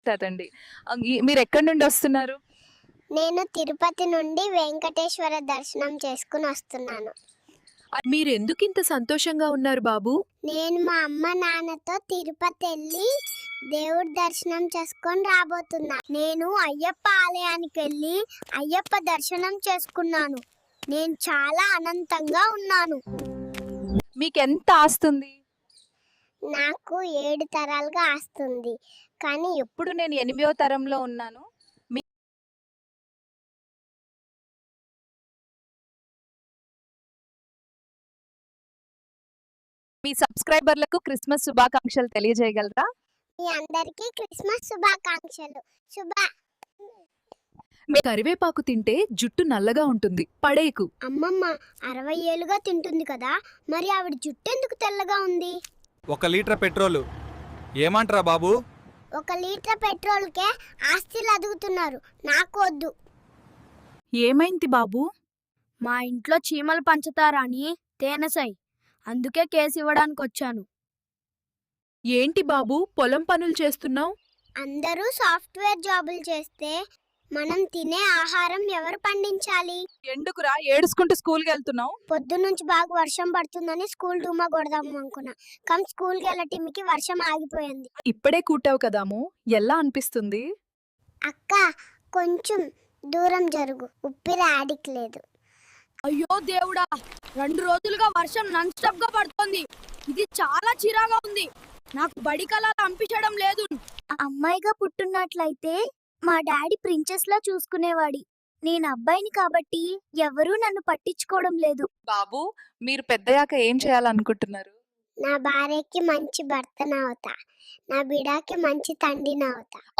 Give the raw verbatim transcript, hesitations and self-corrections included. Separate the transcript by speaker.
Speaker 1: కాదండి. ఆహ్, ఈ మీరెక్కడి నుండి వస్తున్నారు?
Speaker 2: నేను తిరుపతి నుండి వెంకటేశ్వర దర్శనం చేసుకొని వస్తున్నాను.
Speaker 1: ఆహ్, మీరెందుకింత సంతోషంగా ఉన్నారు బాబు?
Speaker 2: నేను మా అమ్మ, నాన్నతో తిరుపతెళ్ళి దేవుడి దర్శనం చేసుకొని రాబోతున్నా. నేను అయ్యప్ప ఆలయానికెళ్ళి అయ్యప్ప దర్శనం చేసుకున్నాను. నేను చాలా అనంతంగా ఉన్నాను.
Speaker 1: మీకెంత ఆస్తుంది?
Speaker 2: నాకు ఏడు తరాలుగా ఆస్తుంది. కానీ
Speaker 1: ఇప్పుడు నేను ఎనిమిదో తరంలో ఉన్నాను. మీ మీ సబ్స్క్రైబర్లకు క్రిస్మస్ శుభాకాంక్షలు తెలియజేయగలరా?
Speaker 2: మీ అందరికీ క్రిస్మస్ శుభాకాంక్షలు. శుభ
Speaker 1: మీ కరివేపాకు తింటే జుట్టు నల్లగా ఉంటుంది. పడేయకు.
Speaker 2: అమ్మమ్మ అరవై ఏళ్ళుగా తింటుంది కదా, మరి ఆవిడ జుట్టెందుకు తెల్లగా ఉంది?
Speaker 3: ఒక లీటర్ పెట్రోలు ఏమంటారా బాబు?
Speaker 2: ఒక లీటర్ పెట్రోల్కే ఆస్తిలు అదుగుతున్నారు. నాకు వద్దు.
Speaker 4: ఏమైంది బాబు? మా ఇంట్లో చీమలు పంచుతారా అని తేనెసై, అందుకే కేసు ఇవ్వడానికి వచ్చాను.
Speaker 1: ఏంటి బాబు పొలం పనులు చేస్తున్నావు?
Speaker 2: అందరూ సాఫ్ట్వేర్ జాబులు చేస్తే మనం తినే ఆహారం ఎవరు పండించాలి?
Speaker 1: ఎందుకురా ఏడుచుకుంటూ స్కూల్కి వెళ్తున్నావు?
Speaker 2: పొద్దున్నుంచి బాగా వర్షం పడుతుందని స్కూల్ డుమ్మా కొడదాము అనుకున్నా, కానీ స్కూల్కి వెళ్ళటిమికి వర్షం ఆగిపోయింది.
Speaker 1: ఇప్పుడే కూటావు కదాము, ఎలా అనిపిస్తుంది?
Speaker 2: అక్క కొంచెం దూరం జరుగు, ఉప్పిరి ఆడికి లేదు.
Speaker 4: అయ్యో దేవుడా, రెండు రోజులుగా వర్షం నాన్ స్టాప్ గా పడుతోంది. ఇది చాలా చిరాగా ఉంది. నాకు బడి కళలు అంపించడం లేదు.
Speaker 2: అమ్మాయిగా పుట్టున్నట్లయితే మా డాడీ ప్రిన్సెస్ లా చూసుకునేవాడి. నేను అబ్బాయిని కాబట్టి ఎవరూ నన్ను పట్టించుకోవడం లేదు.
Speaker 1: బాబు మీరు పెద్దయాక ఏం చేయాలనుకుంటున్నారు?
Speaker 2: నా భార్యకి మంచి భర్తనవుతా, నా బిడ్డకి మంచి తండ్రినవుతా.